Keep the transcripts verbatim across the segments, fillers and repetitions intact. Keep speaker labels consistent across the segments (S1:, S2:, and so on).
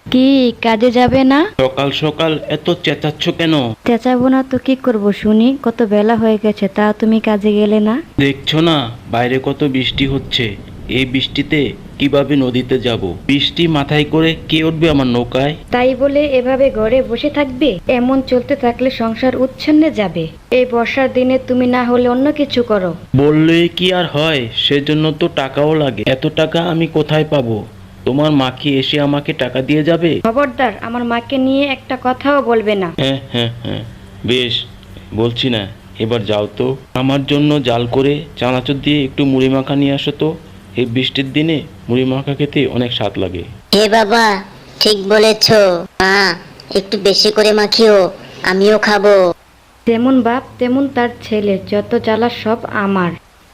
S1: কি কাজে যাবে না?
S2: সকাল সকাল এত চেঁচাচ্ছ কেন?
S1: চেঁচাবো না তো কি করব শুনি, কত বেলা হয়ে গেছে তা তুমি কাজে গেলে না?
S2: দেখছো না বাইরে কত বৃষ্টি হচ্ছে। এই বৃষ্টিতে কিভাবে নদীতে যাব? বৃষ্টি মাথায় করে কে উঠবে আমার নৌকায়?
S1: তাই বলে এভাবে ঘরে বসে থাকবে? এমন চলতে থাকলে সংসার উচ্ছন্নে যাবে। এই বর্ষার দিনে তুমি না হলে অন্য কিছু করো।
S2: বললে কি আর হয়, সেজন্য তো টাকাও লাগে। এত টাকা আমি কোথায় পাবো? তোমার মা কি এসে আমাকে টাকা দিয়ে যাবে?
S1: খবরদার, আমার মাকে নিয়ে একটা কথাও বলবে না।
S2: হ্যাঁ হ্যাঁ হ্যাঁ, বেশ, বলছি না। এবার যাও তো, আমার জন্য জাল করে চানাচুর দিয়ে একটু মুড়ি মাখা নিয়ে আসো তো। এই বৃষ্টির দিনে মুড়ি মাখা খেতে অনেক স্বাদ লাগে।
S3: হে বাবা, ঠিক বলেছো। মা, একটু বেশি করে মাখিও, আমিও খাবো।
S1: যেমন বাপ তেমন তার ছেলে, যত জ্বালা সব আমার।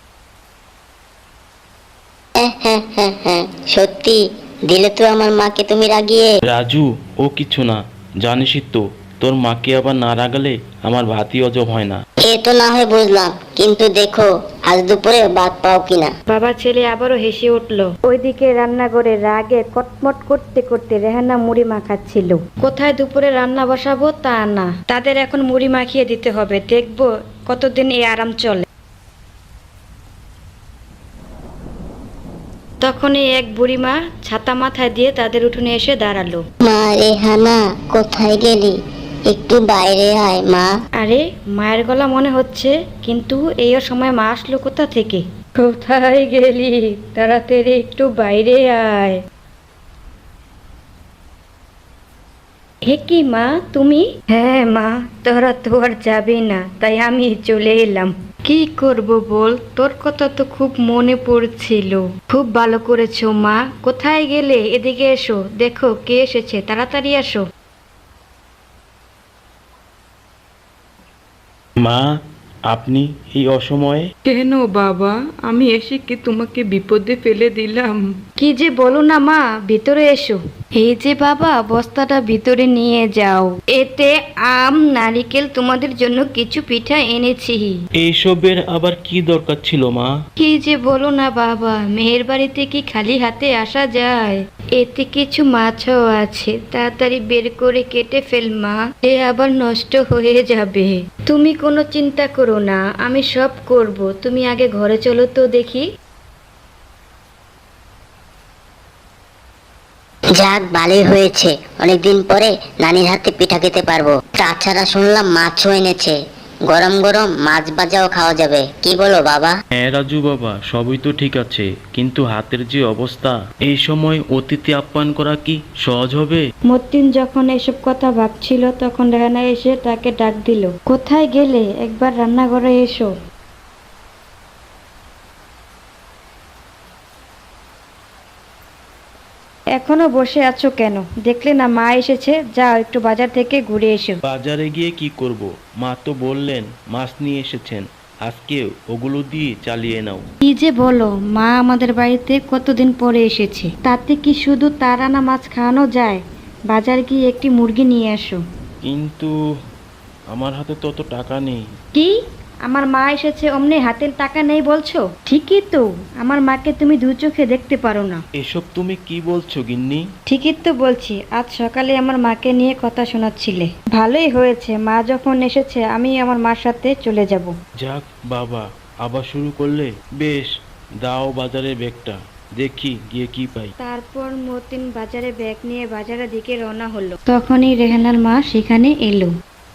S3: হ্যাঁ হ্যাঁ হ্যাঁ হ্যাঁ, সত্যি দিলে তো আমার মাকে তুমি রাগিয়ে।
S2: রাজু, ও কিছু না, জানিসই তো, তোর মাকে আবার না রাগালে আমার ভাতই হজম হয় না।
S3: এ তো না হয় বুঝলাম, কিন্তু দেখো আজ দুপুরে ভাত পাও কিনা।
S1: বাবা ছেলে আবারও হেসে উঠল। ওইদিকে রান্নাঘরে রাগে কটমট করতে করতে রেহানা মুড়ি মাখাচ্ছিল। কোথায় দুপুরে রান্না বসাবো তা না, তাদের এখন মুড়ি মাখিয়ে দিতে হবে। দেখবো কতদিন এই আরাম চলে। তখনই এক বুড়িমা ছাতা মাথায় দিয়ে তাদের উঠোনে এসে দাঁড়ালো।
S3: মা রেহানা, কোথায় গেলি? একটু বাইরে আয় মা।
S1: আরে, মায়ের গলা মনে হচ্ছে, কিন্তু এই সময় মা আসলো কোথা থেকে? কোথায় গেলি? তাড়াতাড়ি একটু বাইরে আয়। হে কি মা, তুমি? হ্যাঁ মা, তোরা তো আর যাবি না, তাই আমি চলে এলাম। কি করব বল, তোর কথা তো খুব মনে পড়ছিল। খুব ভালো করেছো মা। কোথায় গেলে? এদিকে এসো, দেখো কে এসেছে, তাড়াতাড়ি আসো।
S2: মা, আপনি এই অসময়ে?
S4: কেন বাবা, আমি এসে কি তোমাকে বিপদে ফেলে দিলাম?
S1: কি যে বলো না মা, ভিতরে এসো। এই যে বাবা, বস্তাটা ভিতরে নিয়ে যাও। এতে আম, নারিকেল, তোমাদের জন্য কিছু পিঠা এনেছি।
S2: এইসবের আবার কি দরকার ছিল মা?
S1: কি যে বলো না বাবা, মেয়ের বাড়িতে কি খালি হাতে আসা যায়? এতে কিছু মাছও আছে, তাড়াতাড়ি বের করে কেটে ফেল মা, এ আবার নষ্ট হয়ে যাবে। তুমি কোনো চিন্তা করো না, আমি সব করব। তুমি আগে ঘরে চলো তো দেখি।
S3: যাক, ভালোই হয়েছে, অনেকদিন পরে নানির হাতে পিঠা খেতে পারবো। তাছাড়া শুনলাম মাছও এনেছে, গরম গরম মাছ ভাজাও খাওয়া যাবে। কি বলো বাবা?
S2: হ্যাঁ রাজু বাবা, সবই তো ঠিক আছে, কিন্তু হাতের যে অবস্থা, এই সময় অতিথি আপ্যায়ন করা কি সহজ হবে?
S1: মতিন যখন এসব কথা ভাবছিল, তখন রেহানা এসে তাকে ডাক দিল। কোথায় গেলে? একবার রান্নাঘরে এসো। এখনো বসে আছো কেন? দেখলে না মা এসেছে, যাও একটু বাজার থেকে ঘুরে এসো।
S2: বাজারে গিয়ে কি করব? মা তো বললেন মাছ নিয়ে এসেছেন, আজকে ওগুলো দিয়ে চালিয়ে নাও।
S1: কি যে বলো, মা আমাদের বাড়িতে কতদিন পরে এসেছে, তাতে কি শুধু তার আনা মাছ খাওয়ানো যায়? বাজার গিয়ে একটি মুরগি নিয়ে আসো।
S2: কিন্তু আমার হাতে তো অত টাকা নেই।
S1: কি? আমার মা এসেছে অমনি হাতের টাকা নেই বলছো? ঠিকই তো, আমার মাকে তুমি দু চোখে দেখতে পারো না।
S2: এসব তুমি কি বলছো গিন্নি?
S1: ঠিকই তো বলছি, আজ সকালে আমার মাকে নিয়ে কথা শোনাচ্ছিলে। ভালোই হয়েছে, মা যখন এসেছে আমি আমার মার সাথে চলে যাব।
S2: যাক বাবা, আবার শুরু করলে? বেশ, দাও বাজারে ব্যাগটা, দেখি গিয়ে কি পাই।
S1: তারপর মতিন বাজারে ব্যাগ নিয়ে বাজারের দিকে রওনা হলো। তখনই রেহানার মা সেখানে এলো।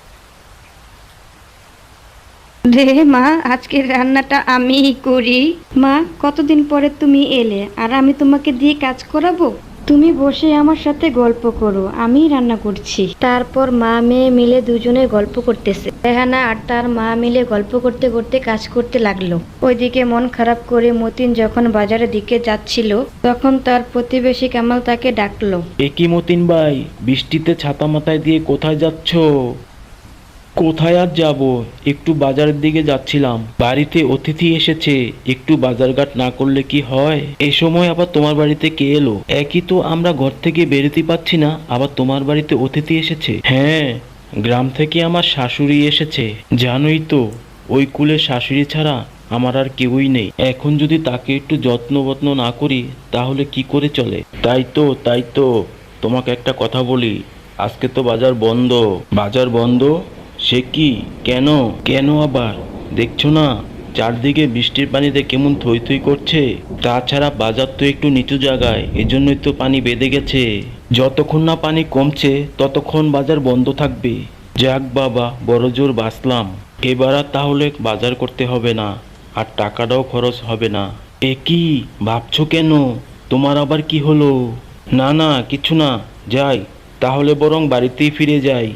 S1: রে মা, আজকের রান্নাটা আমিই করি। মা, কতদিন পরে তুমি এলে, আর আমি তোমাকে দিয়ে কাজ করাবো? তুমি বসে আমার সাথে গল্প করো, আমি রান্না করছি। তারপর মা মেয়ে মিলে দুজনে গল্প করতেছে। রেহানা আর তার মা মিলে গল্প করতে করতে কাজ করতে লাগলো। ওইদিকে মন খারাপ করে মতিন যখন বাজারের দিকে যাচ্ছিল, তখন তার প্রতিবেশী কামাল তাকে ডাকলো।
S2: এ কি মতিন ভাই, বৃষ্টিতে ছাতা মাথায় দিয়ে কোথায় যাচ্ছ? কোথায় আর যাব, একটু বাজারের দিকে যাচ্ছিলাম। বাড়িতে অতিথি এসেছে, একটু বাজারঘাট না করলে কি হয়? এই সময় আবার তোমার বাড়িতে কে এলো? একই তো, আমরা ঘর থেকে বেরোতে পারছি না, আবার তোমার বাড়িতে অতিথি এসেছে। হ্যাঁ, গ্রাম থেকে আমার শাশুড়ি এসেছে। জানোই তো, ওই কুলের শাশুড়ি ছাড়া আমার আর কেউই নেই। এখন যদি তাকে একটু যত্ন বত্ন না করি, তাহলে কি করে চলে? তাই তো তাই তো তোমাকে একটা কথা বলি, আজকে তো বাজার বন্ধ। বাজার বন্ধ? সে কি? কেন? কেন আবার? দেখছো না চারদিকে বৃষ্টির পানিতে কেমন থই থই করছে? তাছাড়া বাজার তো একটু নিচু জায়গায়, এজন্যই তো পানি বেঁধে গেছে। যতক্ষণ না পানি কমছে ততক্ষণ বাজার বন্ধ থাকবে। যাক বাবা, বড় জোর বাঁচলাম। এবার আর তাহলে বাজার করতে হবে না, আর টাকাটাও খরচ হবে না। এ কি ভাবছো কেন? তোমার আবার কি হলো? না না, কিছু না। যাই তাহলে, বরং বাড়িতেই ফিরে যাই।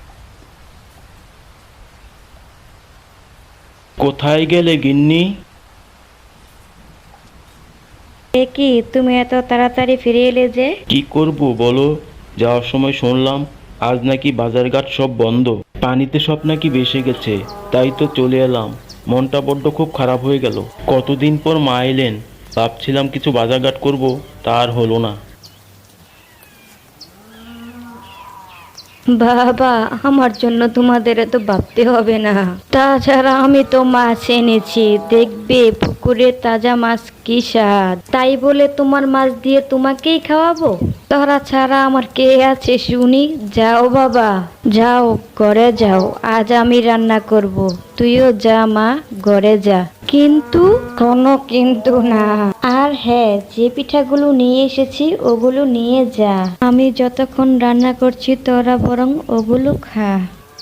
S2: কোথায় গেলে গিন্নি?
S1: এ কি, তুমি এত তাড়াতাড়ি ফিরে এলে যে?
S2: কি করব বলো, যাওয়ার সময় শুনলাম আজ নাকি বাজারঘাট সব বন্ধ, পানিতে সব নাকি ভেসে গেছে। তাই তো চলে এলাম। মনটা বড্ড খুব খারাপ হয়ে গেল। কতদিন পর মা এলেন, ভাবছিলাম কিছু বাজারঘাট করব, তা আর হলো না।
S1: বাবা, আমার জন্য তোমাদের এত ভাবতে হবে না। তাছাড়া আমি তো মাছ এনেছি, দেখবে পুকুরে তাজা মাছ কি স্বাদ। তাই বলে তোমার মাছ দিয়ে তোমাকেই খাওয়াবো? তারা ছাড়া আমার কে আছে শুনি? যাও বাবা, যাও ঘরে যাও, আজ আমি রান্না করব। তুইও যা মা, ঘরে যা। কিন্তু? কোনো কিন্তু না। আর হ্যাঁ, যে পিঠাগুলো নিয়ে এসেছি ওগুলো নিয়ে যা। আমি যতক্ষণ রান্না করছি তোরা বরং ওগুলো খা।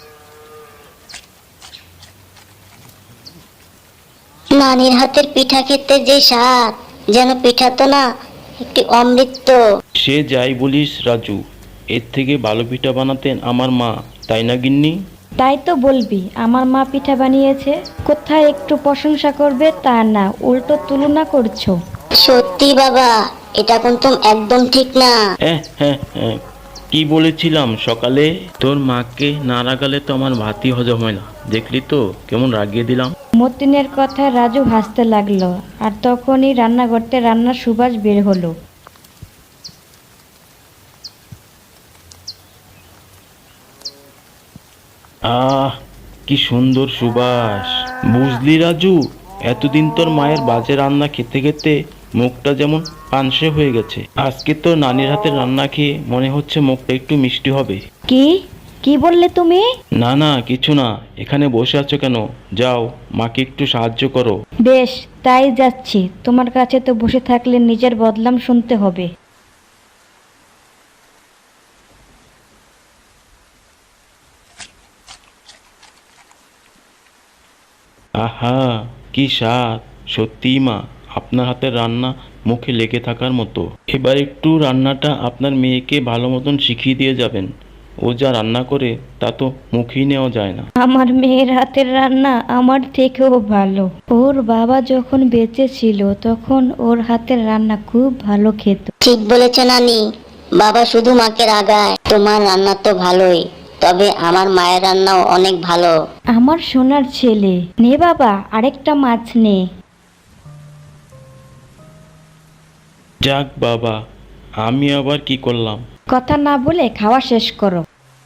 S3: নানির হাতের পিঠা খেতে যে স্বাদ, যেন পিঠা তো না, একটি অমৃত।
S2: সে যাই বলিস রাজু, এর থেকে ভালো পিঠা বানাতেন আমার মা, তাই না গিন্নি?
S1: তাই তো বলবি, আমার মা পিঠা বানিয়েছে। কোথায় একটু প্রশংসা করবে তা না, উল্টো তুলনা করছো।
S3: সত্যি বাবা, এটা কিন্তু একদম ঠিক না।
S2: হ্যাঁ হ্যাঁ হ্যাঁ, কি বলেছিলাম সকালে? তোর মাকে না রাগালে তো আমার ভাতই হজম হয় না। দেখলি তো কেমন রাগিয়ে দিলাম।
S1: মতিনের কথা রাজু হাসতে লাগলো, আর তখনই রান্নাঘরতে রান্নার সুবাস বের হলো।
S2: আহ, কি সুন্দর সুবাস। বুঝলি রাজু, এতদিন তোর মায়ের বাজে রান্না খেতে খেতে মুখটা যেমন পানসে হয়ে গেছে। আজকে তোর নানির হাতের রান্না খেয়ে মনে হচ্ছে মুখটা একটু মিষ্টি হবে।
S1: কি কি বললে তুমি?
S2: না না, কিছু না। এখানে বসে আছো কেন? যাও, মাকে একটু সাহায্য করো।
S1: বেশ, তাই যাচ্ছি। তোমার কাছে তো বসে থাকলে নিজের বদনাম শুনতে হবে।
S2: আহা, কি স্বাদ! সত্যিই মা, আপনার হাতের রান্না মুখে লেগে থাকার মতো। এবার একটু রান্নাটা আপনার মেয়েকে ভালো মতন শিখিয়ে দিয়ে যাবেন। ও যা রান্না করে তা তো মুখেই নেওয়া যায় না।
S1: আমার মেয়ের হাতের রান্না আমার থেকেও ভালো। ওর বাবা যখন বেঁচে ছিল তখন ওর হাতের রান্না খুব ভালো খেত।
S3: ঠিক বলেছ নানি, বাবা শুধু মাকে রাগায়। তোমার রান্না তো ভালোই, তবে আমার মায়ের রান্নাও অনেক ভালো।
S1: আমার সোনার ছেলে, নে বাবা, আরেকটা মাছ নে।
S2: যাক বাবা, আমি আবার কি করলাম?
S1: কথা না বলে খাওয়া শেষ করো।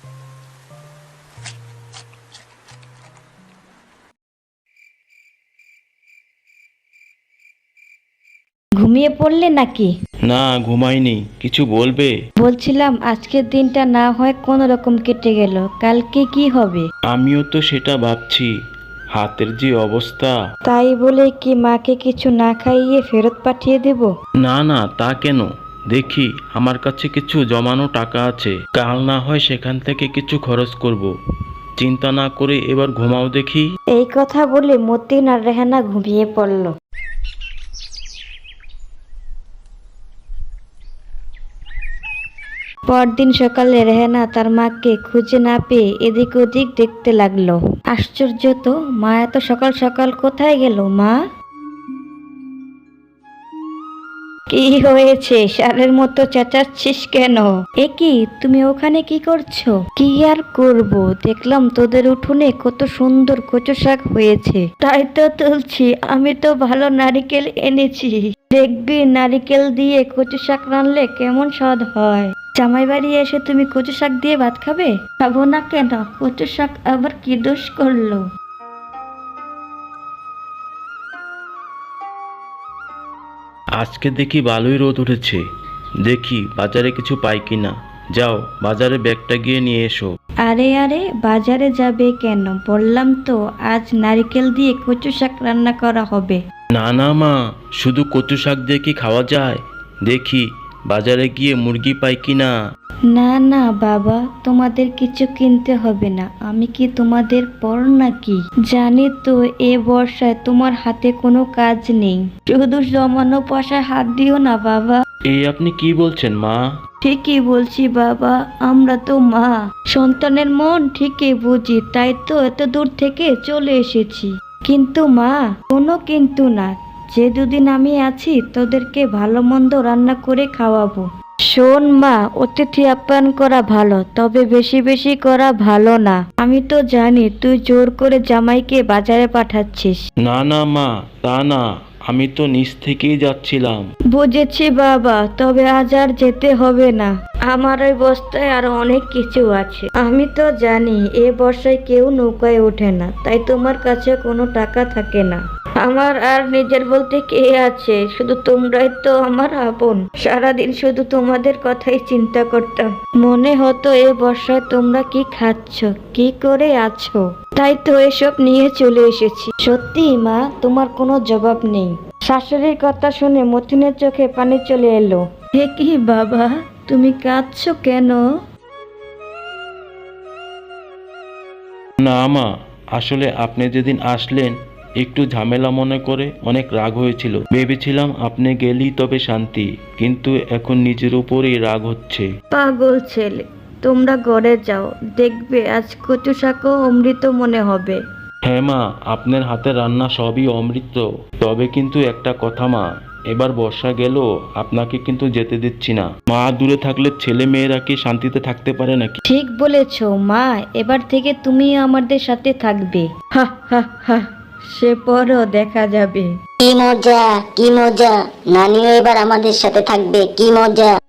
S1: ঘুমিয়ে পড়লে নাকি?
S2: না, ঘুমাইনি। কিছু বলবে?
S1: বলছিলাম আজকের দিনটা না হয় কোনো রকম কেটে গেল, কালকে কি হবে?
S2: আমিও তো সেটা ভাবছি, হাতের যে অবস্থা।
S1: তাই বলে কি মাকে কিছু না খাইয়ে ফেরত পাঠিয়ে দেব?
S2: না না, তা কেন? দেখি, আমার কাছে কিছু জমানো টাকা আছে, কাল না হয় সেখান থেকে কিছু খরচ করব। চিন্তা না করে এবার ঘুমাও দেখি।
S1: এই কথা বলে মতিন আর রেহানা ঘুমিয়ে পড়ল। পরদিন সকালে রেহানা তার মাকে খুঁজে না পেয়ে এদিক ওদিক দেখতে লাগলো। আশ্চর্য তো, মা এত সকাল সকাল কোথায় গেল? মা, কি হয়েছে? ষাঁড়ের মতো চেঁচাচ্ছিস কেন? এ কি, তুমি ওখানে কি করছো? কি আর করব, দেখলাম তোদের উঠোনে কত সুন্দর কচু শাক হয়েছে, তাই তো তুলছি। আমি তো ভালো নারিকেল এনেছি, দেখবি নারিকেল দিয়ে কচু শাক রানলে কেমন স্বাদ হয়। জামাই বাড়ি এসে তুমি কচু শাক দিয়ে ভাত খাবে? খাবো না কেন? কচু শাক আবার কি দোষ করলো?
S2: আজকে দেখি ভালোই রোদ উঠেছে। দেখি বাজারে কিছু পাই কিনা। যাও বাজারে ব্যাগটা গিয়ে নিয়ে এসো।
S1: আরে আরে বাজারে যাবে কেন? বললাম তো আজ নারকেল দিয়ে কচু শাক রান্না করা হবে।
S2: না না মা, শুধু কচু শাক দিয়ে কি খাওয়া যায়? দেখি বাজারে গিয়ে মুরগি পাই কিনা।
S1: না না বাবা, তোমাদের কিছু কিনতে হবে না। আমি কি তোমাদের পর নাকি? জানি তো এ বর্ষায় তোমার হাতে কোনো কাজ নেই। শুধু জমানো পয়সায় হাত দিও না বাবা।
S2: এই আপনি কি বলছেন মা?
S1: ঠিকই বলছি বাবা, আমরা তো মা, সন্তানের মন ঠিকই বুঝি, তাই তো এত দূর থেকে চলে এসেছি। কিন্তু মা, কোনো কিন্তু না, যে দুদিন আমি আছি তোদেরকে ভালো মন্দ রান্না করে খাওয়াবো। শোন মা, অতিথি আপ্যায়ন করা ভালো, তবে বেশি বেশি করা ভালো না। আমি তো জানি তুই জোর করে জামাইকে বাজারে পাঠাচ্ছিস।
S2: না না মা, তা না, আমি তো নিচ থেকেই যাচ্ছিলাম।
S1: বুঝেছি বাবা, তবে আজ আর যেতে হবে না। আমার ওই বস্তায় আরো অনেক কিছু আছে। আমি তো জানি এ বর্ষায় কেউ নৌকায় ওঠে না, তাই তোমার কাছে কোনো টাকা থাকে না। আমার আর নিজের বলতে কে আছে? শুধু তোমরাই তো আমার আপন। সারাদিন শুধু তোমাদের কথাই চিন্তা করতাম। মনে হতো এ বর্ষায় তোমরা কি খাচ্ছ, কি করে আছো, তাই তো এসব নিয়ে চলে এসেছি। সত্যি মা, তোমার কোনো জবাব নেই। শাশুড়ির কথা শুনে মতিনের চোখে পানি চলে এলো। হে কি বাবা, তুমি কাঁদছো কেন?
S2: না মা, আসলে আপনি যেদিন আসলেন একটু ঝামেলা মনে করে অনেক রাগ হয়েছিল। ভেবেছিলাম আপনি গেলেই তবে শান্তি, কিন্তু এখন নিজের উপরেই রাগ হচ্ছে।
S1: পাগল ছেলে, তোমরা ঘরে যাও, দেখবে আজ কচু শাকও অমৃত মনে হবে।
S2: হ্যাঁ মা, আপনার হাতের রান্না সবই অমৃত। তবে কিন্তু একটা কথা মা, এবার বর্ষা গেল, আপনাকে কিন্তু যেতে দিচ্ছি না। মা দূরে থাকলে ছেলে মেয়েরা কি শান্তিতে থাকতে পারে নাকি?
S1: ঠিক বলেছো মা, এবার থেকে তুমি আমাদের সাথে থাকবে। হা হা হা, সে পরও দেখা যাবে।
S3: কি মজা, কি মজা, নানিও এবার আমাদের সাথে থাকবে, কি মজা।